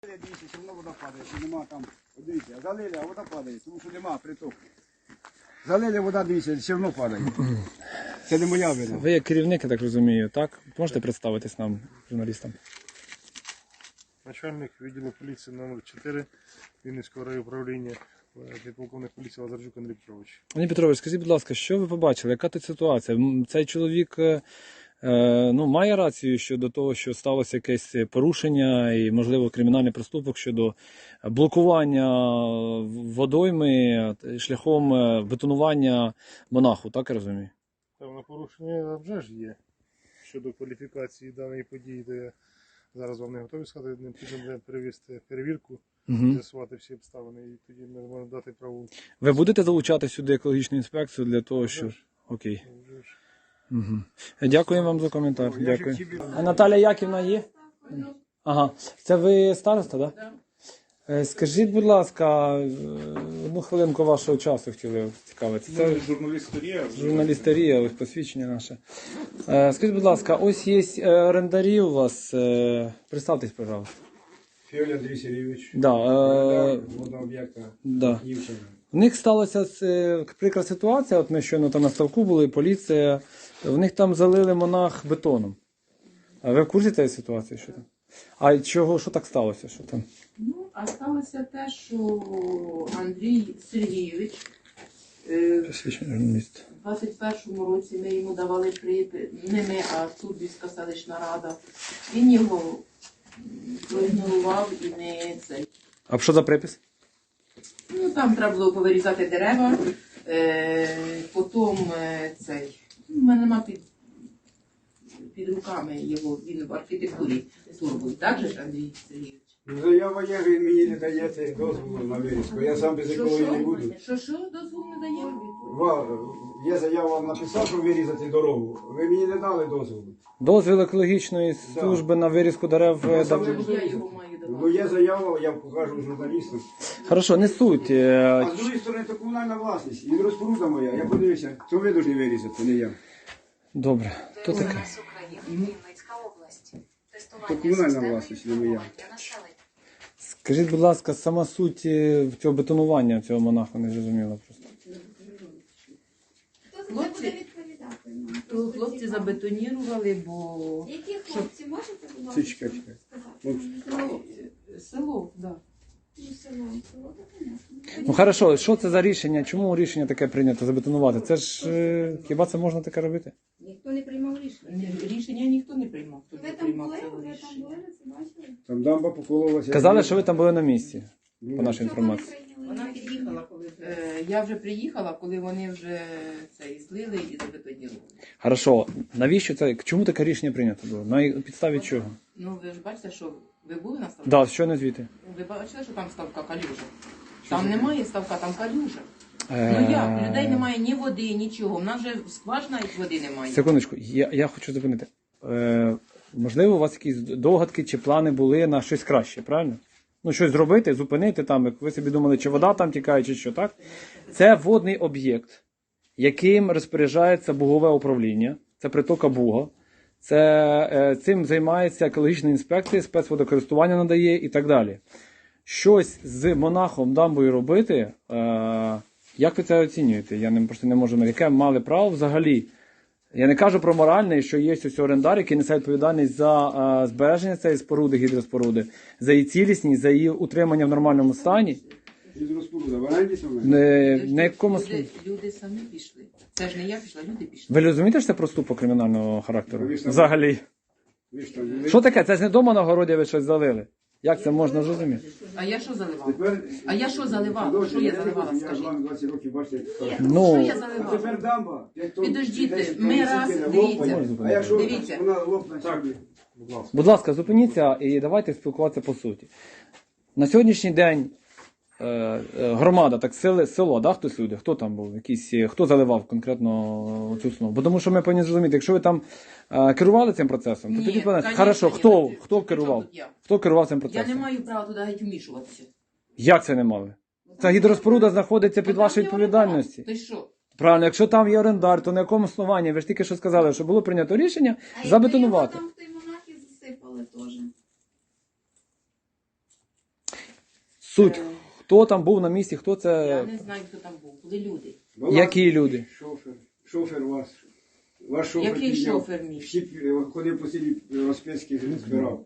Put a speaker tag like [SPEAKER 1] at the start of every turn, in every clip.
[SPEAKER 1] Дивіться, все одно вода падає, що нема там, дивіться, залили, а вода падає, тому що нема притоку. Залили, вода, дивіться, все одно падає. Це не моя вина.
[SPEAKER 2] Ви як керівник, я так розумію, так? Можете представитись нам, журналістам?
[SPEAKER 3] Начальник відділу поліції номер 4 Вінницького райуправління, підполковник поліції Лазарчук Андрій Петрович.
[SPEAKER 2] Андрій Петрович, скажіть, будь ласка, що ви побачили? Яка тут ситуація? Цей чоловік має рацію щодо того, що сталося якесь порушення і, можливо, кримінальний проступок щодо блокування водойми шляхом бетонування монаху, так я розумію?
[SPEAKER 3] Певне порушення вже ж є щодо кваліфікації даної події, де зараз вам не готові сказати, необхідно перевести перевірку, з'ясувати всі обставини, і тоді ми можемо дати праву.
[SPEAKER 2] Ви будете залучати сюди екологічну інспекцію для того, щоб... Окей. Угу. Дякую вам за коментар. Дякую. А Наталя Яківна є? Ага. Це ви староста, так? Да? Так. Скажіть, будь ласка, одну хвилинку вашого часу хотіли цікавитися. Це
[SPEAKER 3] журналістерія.
[SPEAKER 2] Журналістерія, ось посвідчення наше. Скажіть, будь ласка, ось є орендарі у вас. Представтесь, пожалуйста.
[SPEAKER 1] Фіоль Андрій Сергійович.
[SPEAKER 2] Да.
[SPEAKER 1] Водного об'єкта.
[SPEAKER 2] Да. В них сталася прикра ситуація, от ми щойно там на ставку були, поліція, в них там залили монах бетоном. А ви в курсі цієї ситуації? Що там? А чого, що так сталося? Що там?
[SPEAKER 4] Ну, а сталося те, що Андрій Сергійович
[SPEAKER 2] Посвідчення журналіст.
[SPEAKER 4] у 21-му році ми йому давали припис, не ми, а Турбівська селищна рада. Він його проігнорував і не цей.
[SPEAKER 2] А що за припис?
[SPEAKER 4] Ну, там треба було повирізати дерева, потім цей. У мене нема під руками його, він в архітектурі турбує. Так же ж, Андрій Сергійович?
[SPEAKER 1] Заява є, він мені не дає цей дозволу на вирізку. Я сам без якого і не буду.
[SPEAKER 4] Що дозволу не дає?
[SPEAKER 1] Є заява, написав, щоб вирізати дорогу. Ви мені не дали дозволу.
[SPEAKER 2] Дозвіл екологічної служби на вирізку дерев.
[SPEAKER 1] Я сам не
[SPEAKER 4] Я
[SPEAKER 1] буду
[SPEAKER 4] його
[SPEAKER 1] вирізати.
[SPEAKER 4] маю
[SPEAKER 1] Ну
[SPEAKER 4] давати.
[SPEAKER 1] є заява, я покажу журналістам.
[SPEAKER 2] Хорошо, не суть.
[SPEAKER 1] А з другої сторони, це комунальна власність. Гідроспоруда моя. Я подивився, що ви повинні вирізати, не я.
[SPEAKER 2] Добре. То таке.
[SPEAKER 5] Вінницька область.
[SPEAKER 1] То комунальна власність, не моя.
[SPEAKER 2] Скажіть, будь ласка, сама суть цього бетонування цього монаха не зрозуміла просто.
[SPEAKER 5] Хто за це буде відповідати? нам?
[SPEAKER 4] Хлопці забетонірували, бо
[SPEAKER 5] Які хлопці, можете, будь ласка,
[SPEAKER 1] Чекай.
[SPEAKER 5] сказати?
[SPEAKER 4] село, так.
[SPEAKER 5] Ну, село, то понятно.
[SPEAKER 2] Ну хорошо, що це за рішення? Чому рішення таке прийнято забетонувати? Це ж хіба це можна таке робити?
[SPEAKER 5] Ніхто не приймав рішення.
[SPEAKER 4] Рішення ніхто не приймав. Хто
[SPEAKER 5] Ви
[SPEAKER 4] не
[SPEAKER 5] там
[SPEAKER 4] приймав
[SPEAKER 5] були?
[SPEAKER 4] це
[SPEAKER 5] Ви там
[SPEAKER 4] рішення.
[SPEAKER 5] були? Ви це бачили?
[SPEAKER 1] Там дамба покололася.
[SPEAKER 2] Казали, що ви там були на місці, по нашій
[SPEAKER 5] Чого
[SPEAKER 2] інформації.
[SPEAKER 5] не прийняли
[SPEAKER 4] Вона
[SPEAKER 5] рішення?
[SPEAKER 4] під'їхала, коли я вже приїхала, коли вони вже це і злили і забетонірували.
[SPEAKER 2] Хорошо, навіщо це? Чому таке рішення прийнято було? На підставі чого?
[SPEAKER 4] Ну ви ж бачите, що ви були на ставку?
[SPEAKER 2] Да, що не звідти?
[SPEAKER 4] Ви бачили, що там ставка калюжа? Там немає ставка, там калюжа. Ну як? Людей немає ні води, нічого. У нас вже скважина і води немає.
[SPEAKER 2] Секундочку, я хочу зупинити. Можливо, у вас якісь догадки чи плани були на щось краще, правильно? Ну, щось зробити, зупинити там, як ви собі думали, чи вода там тікає, чи що, так? Це водний об'єкт, яким розпоряджається Бугове управління, це притока Буга. Цим займається екологічна інспекція, спецводокористування надає і так далі. Щось з монахом дамбою робити, як ви це оцінюєте? Я просто не можу, яке мали право взагалі. Я не кажу про моральне, що є ось орендар, який несе відповідальність за збереження цієї споруди, гідроспоруди, за її цілісність, за її утримання в нормальному стані.
[SPEAKER 1] Гідроспоруда, в оренді там?
[SPEAKER 2] На якому
[SPEAKER 4] Люди самі пішли. Це ж не я пішла, люди пішли.
[SPEAKER 2] Ви розумієте, що це проступок кримінального характеру?
[SPEAKER 1] Ви ж там-
[SPEAKER 2] Взагалі.
[SPEAKER 1] Ви ж там були.
[SPEAKER 2] Що таке? Це ж не дома на городі ви щось залили. Як це можна зрозуміти?
[SPEAKER 4] А я що заливала?
[SPEAKER 1] Тепер-
[SPEAKER 4] А я що заливала? Що я заливала,
[SPEAKER 1] Я
[SPEAKER 4] скажіть?
[SPEAKER 1] вам 20 років, бачите, як
[SPEAKER 4] Що
[SPEAKER 2] Ну,
[SPEAKER 4] я
[SPEAKER 1] А
[SPEAKER 4] заливала?
[SPEAKER 1] тепер дамба.
[SPEAKER 4] Підождіть, ми раз, дивіться.
[SPEAKER 1] А якщо
[SPEAKER 4] Дивіться.
[SPEAKER 1] вона лопне собі?
[SPEAKER 2] будь ласка, зупиніться і давайте спілкуватися по суті. На сьогоднішній день громада, так село, да, хтось люди, хто там був, хто заливав конкретно цю основу? Бо тому що ми повинні зрозуміти, якщо ви там керували цим процесом, то
[SPEAKER 4] Ні,
[SPEAKER 2] тоді повинні.
[SPEAKER 4] конечно,
[SPEAKER 2] Хорошо,
[SPEAKER 4] ні,
[SPEAKER 2] хто
[SPEAKER 4] при
[SPEAKER 2] керував?
[SPEAKER 4] чому тут я?
[SPEAKER 2] Хто керував цим
[SPEAKER 4] Я
[SPEAKER 2] процесом?
[SPEAKER 4] не маю права туди геть вмішуватися.
[SPEAKER 2] Як це не мали? Ця гідроспоруда знаходиться під
[SPEAKER 4] Там
[SPEAKER 2] вашою
[SPEAKER 4] є орендар.
[SPEAKER 2] відповідальністю.
[SPEAKER 4] Ти що?
[SPEAKER 2] Правильно, якщо там є орендар, то на якому основанні? Ви ж тільки що сказали, що було прийнято рішення забетонувати.
[SPEAKER 5] А якби його там в той монах і засипали теж.
[SPEAKER 2] Суть. Хто там був на місці, хто
[SPEAKER 4] Я
[SPEAKER 2] це.
[SPEAKER 4] не знаю, хто там був. Були люди.
[SPEAKER 1] Була
[SPEAKER 2] Які люди?
[SPEAKER 1] Шофер ваш. Ваш шофер.
[SPEAKER 4] Який
[SPEAKER 1] підняв.
[SPEAKER 4] шофер мій?
[SPEAKER 1] Всі ходив по селі Розпецький збирав.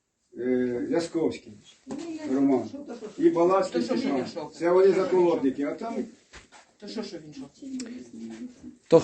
[SPEAKER 1] Лясковський, Роман. І Балацький
[SPEAKER 4] То що ж він
[SPEAKER 1] Степан.
[SPEAKER 4] йшов?
[SPEAKER 1] Це вони заколотники, а там
[SPEAKER 4] То що він шов?
[SPEAKER 2] То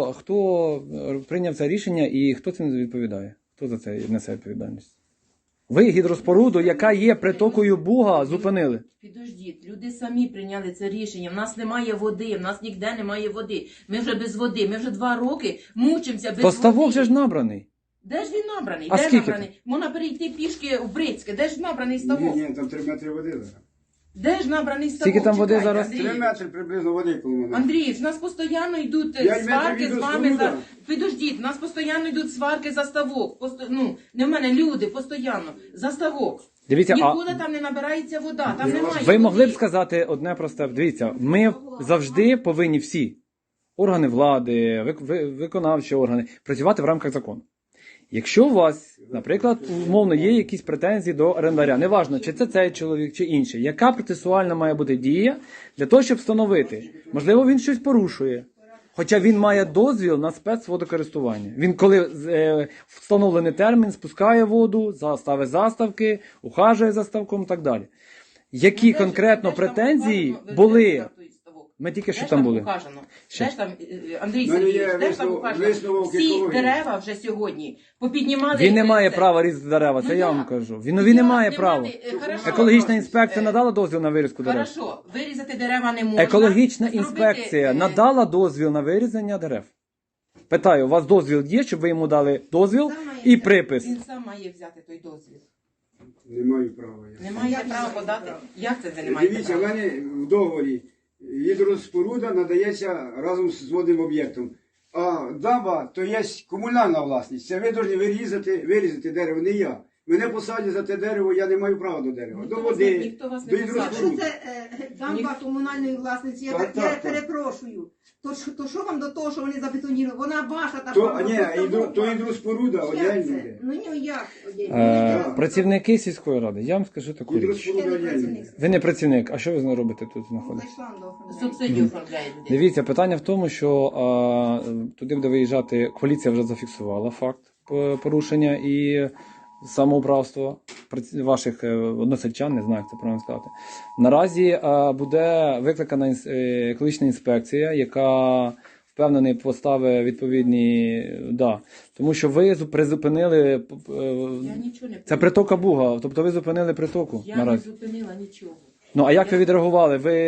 [SPEAKER 2] хто прийняв це рішення і хто цим відповідає? Хто за це несе відповідальність? Ви гідроспоруду, яка є притокою Буга, зупинили.
[SPEAKER 4] Підождіть, люди самі прийняли це рішення. В нас немає води, в нас ніде немає води. Ми вже без води, ми вже 2 роки мучимося без
[SPEAKER 2] То ставок
[SPEAKER 4] води.
[SPEAKER 2] же ж набраний.
[SPEAKER 4] Де ж він набраний?
[SPEAKER 2] А
[SPEAKER 4] Де
[SPEAKER 2] скільки
[SPEAKER 4] набраний? Можна перейти пішки в Брицьке. Де ж набраний ставок?
[SPEAKER 1] ні, там 3 метри води зараз.
[SPEAKER 4] Де ж набраний ставок?
[SPEAKER 2] Скільки там води
[SPEAKER 4] Чекайте,
[SPEAKER 2] зараз?
[SPEAKER 4] Андрій.
[SPEAKER 1] 3 метри приблизно води коло мене.
[SPEAKER 4] Андрій, в нас постійно йдуть
[SPEAKER 1] 5
[SPEAKER 4] сварки
[SPEAKER 1] метрів
[SPEAKER 4] з
[SPEAKER 1] від
[SPEAKER 4] вами за.
[SPEAKER 1] розходу.
[SPEAKER 4] Підождіть, в нас постійно йдуть сварки за ставок. Ну, не в мене люди постійно за ставок.
[SPEAKER 2] Дивіться,
[SPEAKER 4] Нікуди там не набирається вода, там немає.
[SPEAKER 2] ви могли б
[SPEAKER 4] води.
[SPEAKER 2] сказати одне просте. Дивіться, ми завжди повинні всі органи влади, виконавчі органи працювати в рамках закону. Якщо у вас, наприклад, умовно є якісь претензії до орендаря, неважно, чи це цей чоловік, чи інший, яка процесуальна має бути дія для того, щоб встановити, можливо, він щось порушує, хоча він має дозвіл на спецводокористування. Він, коли встановлений термін, спускає воду, ставить заставки, ухажує за ставком і так далі. Які
[SPEAKER 4] Де ж-
[SPEAKER 2] конкретно
[SPEAKER 4] де ж там
[SPEAKER 2] претензії
[SPEAKER 4] указано? Ви
[SPEAKER 2] були?
[SPEAKER 4] знаєте, той ставок?
[SPEAKER 2] Ми тільки що
[SPEAKER 4] Де ж
[SPEAKER 2] там були.
[SPEAKER 4] Указано?
[SPEAKER 2] Що?
[SPEAKER 4] Де ж там, Андрій
[SPEAKER 1] В мене є
[SPEAKER 4] Сергійович, де ж там указано?
[SPEAKER 1] висновок
[SPEAKER 4] Всі
[SPEAKER 1] екології.
[SPEAKER 4] дерева вже сьогодні попіднімали.
[SPEAKER 2] Він не має
[SPEAKER 4] це.
[SPEAKER 2] права різати дерева, це
[SPEAKER 4] Ну,
[SPEAKER 2] я вам
[SPEAKER 4] як?
[SPEAKER 2] кажу. Він не має права.
[SPEAKER 4] Хорошо.
[SPEAKER 2] Екологічна інспекція надала дозвіл на вирізку дерев.
[SPEAKER 4] Хорошо, вирізати дерева не можна.
[SPEAKER 2] Екологічна
[SPEAKER 4] Зробити,
[SPEAKER 2] інспекція надала дозвіл на вирізання дерев. Питаю, у вас дозвіл є, щоб ви йому дали дозвіл
[SPEAKER 4] Сам має
[SPEAKER 2] і
[SPEAKER 4] взяти.
[SPEAKER 2] припис?
[SPEAKER 4] Він сам має взяти той дозвіл.
[SPEAKER 1] Не маю права. я.
[SPEAKER 4] Не має права подати. Як це ви не маєте
[SPEAKER 1] Дивіться, в
[SPEAKER 4] права?
[SPEAKER 1] мене в договорі гідроспоруда надається разом з водним об'єктом. А дамба то є комунальна власність. Це ви повинні вирізати дерево, не я. Мене посадять за те дерево, я не маю права до дерева.
[SPEAKER 4] Ніхто
[SPEAKER 1] До
[SPEAKER 4] вас
[SPEAKER 1] води,
[SPEAKER 4] не- ніхто вас не
[SPEAKER 1] до
[SPEAKER 4] посадить.
[SPEAKER 5] Якщо
[SPEAKER 1] гідроспоруди.
[SPEAKER 5] це дамба комунальної власниці, я,
[SPEAKER 1] Так,
[SPEAKER 5] я
[SPEAKER 1] так, так.
[SPEAKER 5] перепрошую. То що вам до того, що вони забетонірували? Вона ваша та
[SPEAKER 1] То, то гідроспоруда, одягнення йде.
[SPEAKER 5] Ну ні, як?
[SPEAKER 2] Працівники сільської ради, я вам скажу таку річ.
[SPEAKER 1] Гідроспоруда одягнення йде.
[SPEAKER 2] Ви не працівник, а що ви робите тут знаходитесь?
[SPEAKER 5] Зайшла до оформлення.
[SPEAKER 4] Субсидію оформляє людина.
[SPEAKER 2] Дивіться, питання в тому, що туди буде виїжджати, поліція вже зафіксувала факт порушення і самоуправства ваших односельчан, не знаю, як це правильно сказати. Наразі буде викликана екологічна інспекція, яка впевнений поставить відповідні, тому що ви призупинили,
[SPEAKER 4] Я нічого не
[SPEAKER 2] це притока Буга, тобто ви зупинили притоку
[SPEAKER 4] Я не
[SPEAKER 2] наразі.
[SPEAKER 4] зупинила нічого.
[SPEAKER 2] Ну, а як ви відреагували? Ви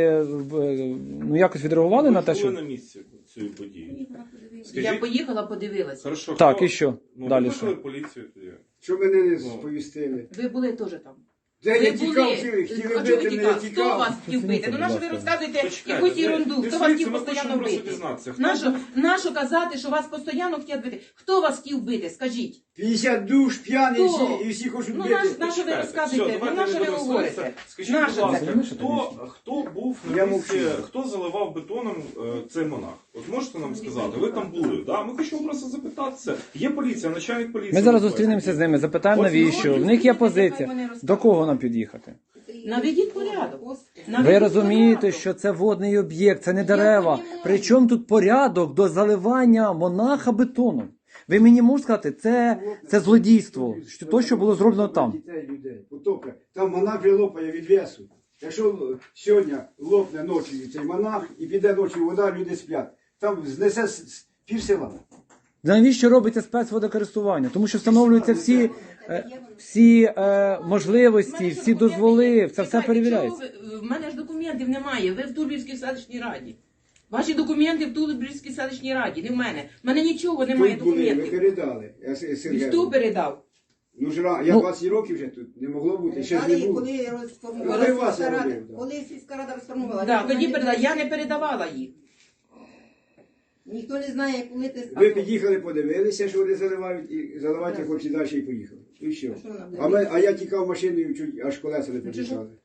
[SPEAKER 2] якось відреагували на те,
[SPEAKER 6] Ви були
[SPEAKER 2] що...
[SPEAKER 6] на місці цієї події.
[SPEAKER 4] Я
[SPEAKER 6] Скажіть,
[SPEAKER 4] поїхала, подивилася.
[SPEAKER 6] хорошо,
[SPEAKER 2] Так,
[SPEAKER 6] хто-
[SPEAKER 2] і що?
[SPEAKER 6] Ну,
[SPEAKER 2] Далі
[SPEAKER 6] викликали
[SPEAKER 2] що?
[SPEAKER 6] поліцію тоді.
[SPEAKER 1] Що мене не сповістили?
[SPEAKER 4] Ви були теж там.
[SPEAKER 1] Де я
[SPEAKER 4] Ви
[SPEAKER 1] тікав,
[SPEAKER 4] були.
[SPEAKER 1] хотіли
[SPEAKER 4] А чого ви
[SPEAKER 1] бити, не
[SPEAKER 4] тікали? Хто
[SPEAKER 1] тікав.
[SPEAKER 4] вас хотів бити? Ну на що ви розказуєте
[SPEAKER 6] Почекайте,
[SPEAKER 4] якусь ерунду?
[SPEAKER 6] ви-
[SPEAKER 4] Хто вас хотів
[SPEAKER 6] ми
[SPEAKER 4] постійно
[SPEAKER 6] хочемо просто
[SPEAKER 4] бити?
[SPEAKER 6] дізнатися, хто
[SPEAKER 4] Нащо казати, що вас постійно хотять бити? Хто вас хотів бити? Скажіть.
[SPEAKER 1] 50 душ, п'яні
[SPEAKER 4] Хто?
[SPEAKER 1] всі, і всі хочуть
[SPEAKER 4] Ну
[SPEAKER 1] бити.
[SPEAKER 4] на що ви
[SPEAKER 6] Все,
[SPEAKER 4] розказуєте? Ну
[SPEAKER 6] давайте
[SPEAKER 4] на що
[SPEAKER 6] не
[SPEAKER 4] ви
[SPEAKER 6] будемо
[SPEAKER 4] говорите?
[SPEAKER 6] сваритися. Скажіть,
[SPEAKER 4] На
[SPEAKER 6] будь
[SPEAKER 4] що це?
[SPEAKER 6] ласка, хто був
[SPEAKER 1] Я
[SPEAKER 6] на місці,
[SPEAKER 1] мовчу.
[SPEAKER 6] хто заливав бетоном цей монах? От можете нам сказати, ви там були, да? Ми хочемо просто запитатися. Є поліція, начальник поліції.
[SPEAKER 2] Ми зараз зустрінемося з ними, запитаємо, навіщо, в них є позиція. До кого нам під'їхати?
[SPEAKER 4] Наведіть порядок.
[SPEAKER 2] Ви
[SPEAKER 4] Наведіть
[SPEAKER 2] розумієте,
[SPEAKER 4] порядок.
[SPEAKER 2] що це водний об'єкт, це не дерева. Причому тут порядок до заливання монаха бетоном? Ви мені можете сказати, це злодійство, що то, що було зроблено там.
[SPEAKER 1] Дітей, людей, потопля. Там монах вже лопає від весу. Якщо сьогодні лопне ночі цей монах і піде ночі вода, люди сплять. Там знесе пів села.
[SPEAKER 2] Навіщо робиться спецводокористування? Тому що встановлюються всі можливості, всі дозволи, це все
[SPEAKER 4] Чекайте,
[SPEAKER 2] перевіряється.
[SPEAKER 4] чого ви- В мене ж документів немає. Ви в Турбівській селищній раді. Ваші документи в Турбівській селищній раді, не в мене. В мене нічого немає
[SPEAKER 1] Тут були, ви
[SPEAKER 4] документів.
[SPEAKER 1] передали.
[SPEAKER 4] І хто передав?
[SPEAKER 1] Ну ж я 20 років вже тут, не могло бути, ще ж не
[SPEAKER 5] Далі,
[SPEAKER 1] було.
[SPEAKER 5] коли
[SPEAKER 1] Коли
[SPEAKER 5] розформувала
[SPEAKER 1] вас
[SPEAKER 5] сільська рада,
[SPEAKER 1] робив, да.
[SPEAKER 5] коли сільська рада розформувала.
[SPEAKER 4] Да, тоді передала. Я не передавала їх.
[SPEAKER 5] Ніхто не знає, коли ти
[SPEAKER 1] Ви під'їхали, подивилися, що вони заливають, і заливати хочуть далі і поїхали. І все.
[SPEAKER 5] Що вона буде?
[SPEAKER 1] А я тікав машиною, чуть аж колеса не
[SPEAKER 4] Ну,
[SPEAKER 1] під'їхали.